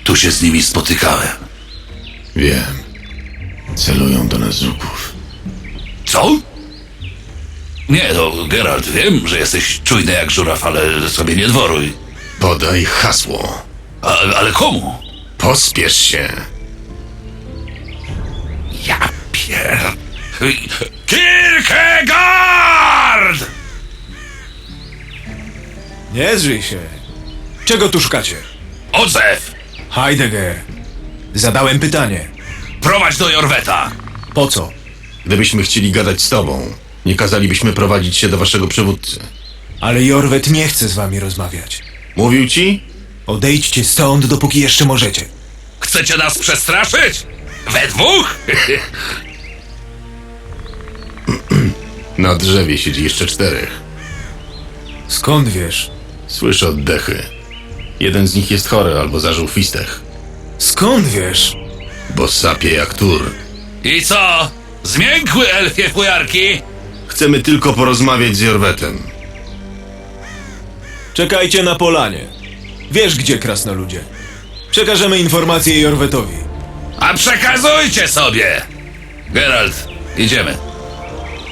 Tu się z nimi spotykałem. Wiem. Celują do nas z łuków. Co? Nie, no, Geralt, wiem, że jesteś czujny jak żuraw, ale sobie nie dworuj. Podaj hasło. Ale komu? Pospiesz się. Ja pier... Kierkegaard! Nie zrzyj się. Czego tu szukacie? Odzew! Heidegger. Zadałem pytanie. Prowadź do Jorweta! Po co? Gdybyśmy chcieli gadać z tobą, nie kazalibyśmy prowadzić się do waszego przywódcy. Ale Jorwet nie chce z wami rozmawiać. Mówił ci? Odejdźcie stąd, dopóki jeszcze możecie. Chcecie nas przestraszyć? We dwóch? Na drzewie siedzi jeszcze 4. Skąd wiesz? Słyszę oddechy. Jeden z nich jest chory albo zażył fistech, Skąd wiesz? bo sapie jak tur. I co? Zmiękły elfie fujarki? Chcemy tylko porozmawiać z Jorwetem. Czekajcie na polanie. Wiesz gdzie, krasnoludzie. Przekażemy informację Jorwetowi. A przekazujcie sobie! Geralt, idziemy.